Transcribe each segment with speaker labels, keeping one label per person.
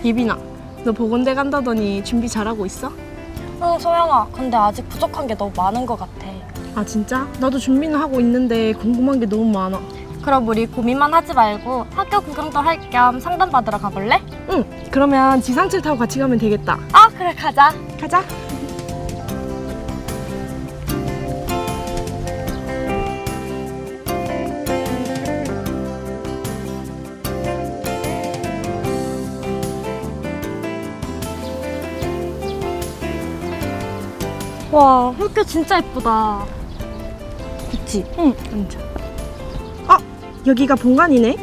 Speaker 1: 예빈아, 너 보건대 간다더니 준비 잘하고 있어?
Speaker 2: 응, 소영아. 근데 아직 부족한 게 너무 많은 것 같아.
Speaker 1: 아 진짜? 나도 준비는 하고 있는데 궁금한 게 너무 많아.
Speaker 2: 그럼 우리 고민만 하지 말고 학교 구경도 할 겸 상담받으러 가볼래?
Speaker 1: 응, 그러면 지상철 타고 같이 가면 되겠다.
Speaker 2: 아, 그래, 가자.
Speaker 1: 가자.
Speaker 2: 와, 학교 진짜 예쁘다.
Speaker 1: 그치? 응, 앉아. 아, 여기가 본관이네?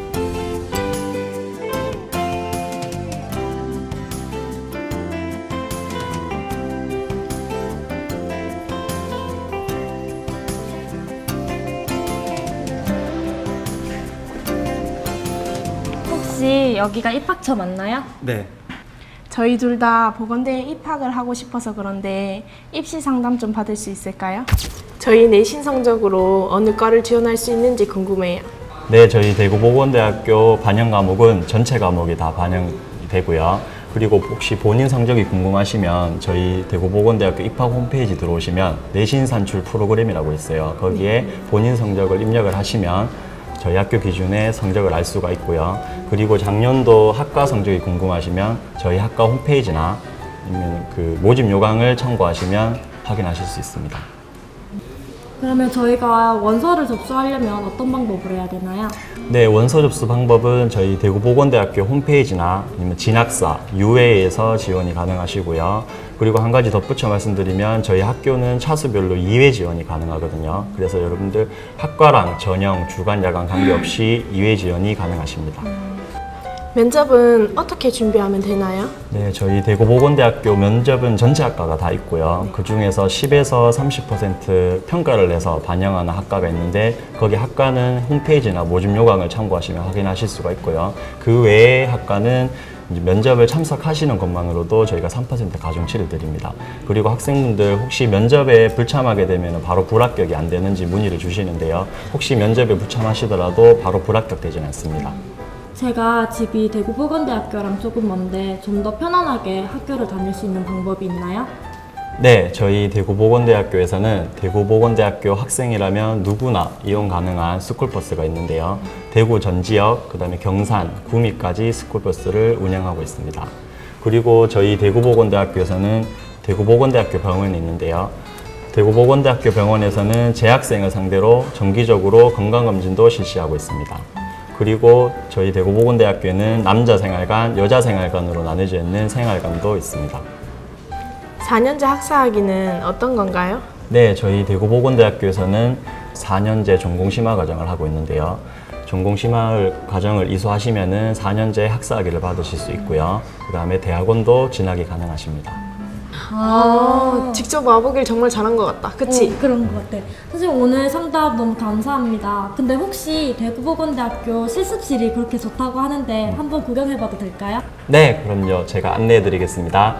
Speaker 2: 혹시 여기가 입학처 맞나요?
Speaker 3: 네.
Speaker 1: 저희 둘 다 보건대에 입학을 하고 싶어서 그런데 입시 상담 좀 받을 수 있을까요? 저희 내신 성적으로 어느 과를 지원할 수 있는지 궁금해요.
Speaker 3: 네, 저희 대구보건대학교 반영 과목은 전체 과목이 다 반영이 되고요. 그리고 혹시 본인 성적이 궁금하시면 저희 대구보건대학교 입학 홈페이지 들어오시면 내신 산출 프로그램이라고 있어요. 거기에 본인 성적을 입력을 하시면 저희 학교 기준의 성적을 알 수가 있고요. 그리고 작년도 학과 성적이 궁금하시면 저희 학과 홈페이지나 아니면 그 모집 요강을 참고하시면 확인하실 수 있습니다.
Speaker 2: 그러면 저희가 원서를 접수하려면 어떤 방법을 해야 되나요?
Speaker 3: 네, 원서 접수 방법은 저희 대구보건대학교 홈페이지나 아니면 진학사, UA에서 지원이 가능하시고요. 그리고 한 가지 덧붙여 말씀드리면 저희 학교는 차수별로 2회 지원이 가능하거든요. 그래서 여러분들 학과랑 전형, 주간, 야간 관계없이 2회 지원이 가능하십니다.
Speaker 1: 면접은 어떻게 준비하면 되나요?
Speaker 3: 네, 저희 대구보건대학교 면접은 전체 학과가 다 있고요. 그 중에서 10에서 30% 평가를 내서 반영하는 학과가 있는데 거기 학과는 홈페이지나 모집 요강을 참고하시면 확인하실 수가 있고요. 그 외에 학과는 이제 면접을 참석하시는 것만으로도 저희가 3% 가중치를 드립니다. 그리고 학생분들 혹시 면접에 불참하게 되면 바로 불합격이 안 되는지 문의를 주시는데요. 혹시 면접에 불참하시더라도 바로 불합격되지는 않습니다.
Speaker 2: 제가 집이 대구보건대학교랑 조금 먼데 좀 더 편안하게 학교를 다닐 수 있는 방법이 있나요?
Speaker 3: 네, 저희 대구보건대학교에서는 대구보건대학교 학생이라면 누구나 이용 가능한 스쿨버스가 있는데요. 대구 전 지역, 그 다음에 경산, 구미까지 스쿨버스를 운영하고 있습니다. 그리고 저희 대구보건대학교에서는 대구보건대학교 병원이 있는데요. 대구보건대학교 병원에서는 재학생을 상대로 정기적으로 건강검진도 실시하고 있습니다. 그리고 저희 대구보건대학교에는 남자 생활관, 여자 생활관으로 나눠져 있는 생활관도 있습니다.
Speaker 1: 4년제 학사학위는 어떤 건가요?
Speaker 3: 네, 저희 대구보건대학교에서는 4년제 전공심화 과정을 하고 있는데요. 전공심화 과정을 이수하시면은 4년제 학사학위를 받으실 수 있고요. 그 다음에 대학원도 진학이 가능하십니다.
Speaker 1: 직접 와보길 정말 잘한 것 같다. 그치?
Speaker 2: 그런 것 같아. 선생님 오늘 상담 너무 감사합니다. 근데 혹시 대구보건대학교 실습실이 그렇게 좋다고 하는데 한번 구경해봐도 될까요?
Speaker 3: 네, 그럼요. 제가 안내해 드리겠습니다.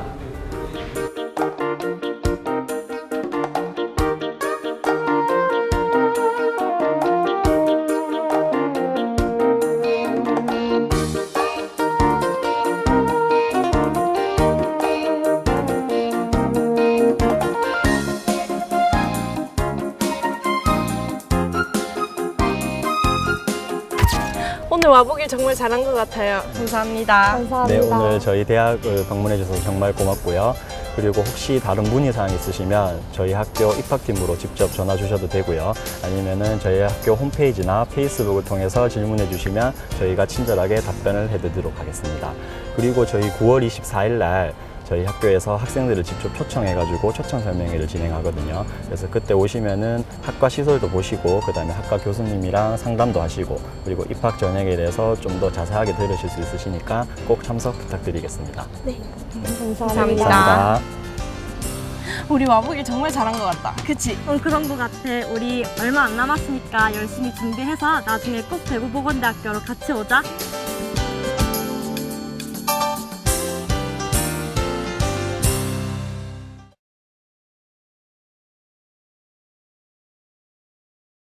Speaker 1: 오늘 와보길 정말 잘한 것 같아요. 감사합니다.
Speaker 3: 네, 오늘 저희 대학을 방문해 주셔서 정말 고맙고요. 그리고 혹시 다른 문의사항 있으시면 저희 학교 입학팀으로 직접 전화 주셔도 되고요. 아니면은 저희 학교 홈페이지나 페이스북을 통해서 질문해 주시면 저희가 친절하게 답변을 해드리도록 하겠습니다. 그리고 저희 9월 24일 날 저희 학교에서 학생들을 직접 초청해가지고 초청 설명회를 진행하거든요. 그래서 그때 오시면은 학과 시설도 보시고 그 다음에 학과 교수님이랑 상담도 하시고 그리고 입학 전형에 대해서 좀 더 자세하게 들으실 수 있으시니까 꼭 참석 부탁드리겠습니다.
Speaker 1: 네.
Speaker 2: 감사합니다.
Speaker 3: 감사합니다.
Speaker 1: 우리 와보길 정말 잘한 것 같다. 그치?
Speaker 2: 그런 것 같아. 우리 얼마 안 남았으니까 열심히 준비해서 나중에 꼭 대구보건대학교로 같이 오자.